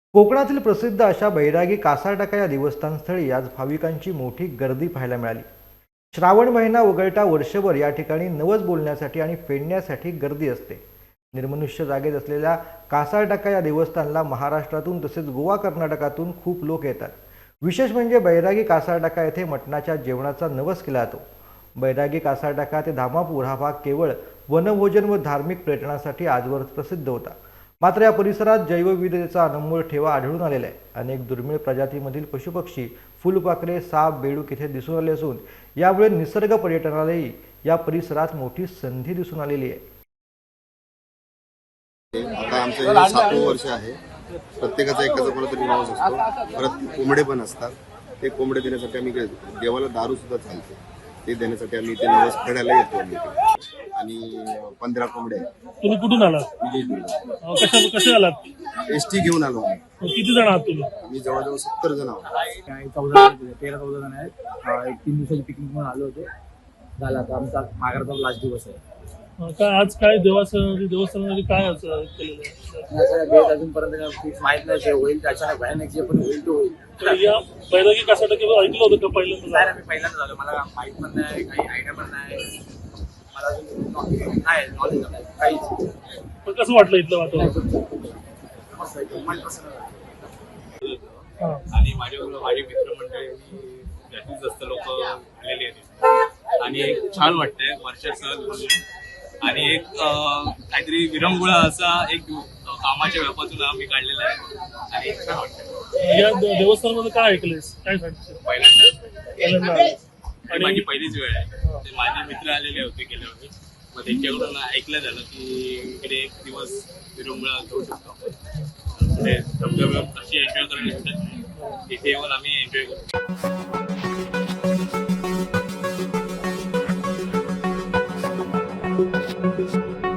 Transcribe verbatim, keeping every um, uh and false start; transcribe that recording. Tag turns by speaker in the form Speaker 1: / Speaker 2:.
Speaker 1: कोकणातील प्रसिद्ध अशा बैरागी कासारटाका या देवस्थानस्थळी आज भाविकांची मोठी गर्दी पाहायला मिळाली। श्रावण महिना वगळता वर्षभर या ठिकाणी नवस बोलण्यासाठी आणि फेडण्यासाठी गर्दी असते। निर्मनुष्य जागेत असलेल्या कासारटाका या देवस्थानला महाराष्ट्रातून तसेच गोवा कर्नाटकातून खूप लोक येतात। विशेष म्हणजे बैरागी कासारटाका येथे मटणाच्या जेवणाचा नवस केला जातो। बैरागी कासारटाका ते धामापूर हा भाग केवळ वनभोजन व धार्मिक पर्यटनासाठी आजवर प्रसिद्ध होता। मात्र या परिसरात जैवविविधतेचा अनमोल ठेवा आढळून आलेला आहे। अनेक दुर्मिळ प्रजातीमधील पशुपक्षी, फुलपाखरे, साप, बेडूक इथे दिसून आले असून यामुळे निसर्ग पर्यटनालाही या परिसरात मोठी संधी दिसून आलेली आहे।
Speaker 2: आता आमचं हे सातवं वर्ष आहे। प्रत्येकाचा एकाचा कोणतरी नवस असतो। परत कोंबडे पण असतात। ते कोंबडे देण्यासाठी आम्ही इकडे देवाला दारू सुद्धा चालते, ते देण्यासाठी आम्ही इथे नवस फेडायला येतो आम्ही इथे। आणि पंधरा कोंबडे आहेत।
Speaker 3: तुम्ही कुठून आलात?
Speaker 2: विजयदुर्ग
Speaker 3: कशा कसे आलात?
Speaker 2: एस टी घेऊन आलो आम्ही।
Speaker 3: किती जण आहात तुम्ही?
Speaker 2: मी जवळजवळ सत्तर जण आहोत।
Speaker 4: काही चौदा तेरा चौदा जण आहेत। एक तीन दिवसाची पिकनिक म्हणून आलो होतो। झाला आता आमचा माघारचा लास्ट दिवस आहे।
Speaker 3: काय आज काय देवस्थान देवस्थानामध्ये काय असं केलेलं आहे?
Speaker 4: असं डेट अजूनपर्यंत फिक्स माहित नाही, जे होईल अचानक भयानक जे पण होईल तो होईल।
Speaker 3: तर या बैरागी कासारटाका ऐकलं होतं का पहिल्यांदा?
Speaker 4: नाही, मी पहिल्यांदा झालो, मला माहित पण नाही, काही आयडिया पण नाही, मला अजून नाही नॉलेज नाही काहीच।
Speaker 3: पण कसं वाटलं इथलं वातावरण?
Speaker 4: मस्त आहे, मन प्रसन्न झालं।
Speaker 5: आणि माझ्याबरोबर माझे मित्रमंडळी जास्तीत जास्त लोक आलेले आहेत आणि एक छान वाटतंय वर्षाचं। आणि एक काहीतरी विरंगुळा असा एक कामाच्या व्यापातून आम्ही काढलेला आहे आणि छान वाटतंय।
Speaker 3: या देवस्थानामध्ये काय ऐकलंयस? काय सांगशील?
Speaker 5: पहिल्यांदा
Speaker 3: पहिल्यांदा
Speaker 5: आणि माझी पहिलीच वेळ आहे। ते माझे मित्र आलेले होते गेल्या वेळी, मग त्यांच्याकडून ऐकलं झालं की इकडे एक दिवस विरंगुळा घेऊ शकतो आपण, पुढे धबधबे कशी एन्जॉय करण्यासाठी इथे येऊन आम्ही एन्जॉय करतो।
Speaker 1: Thank you.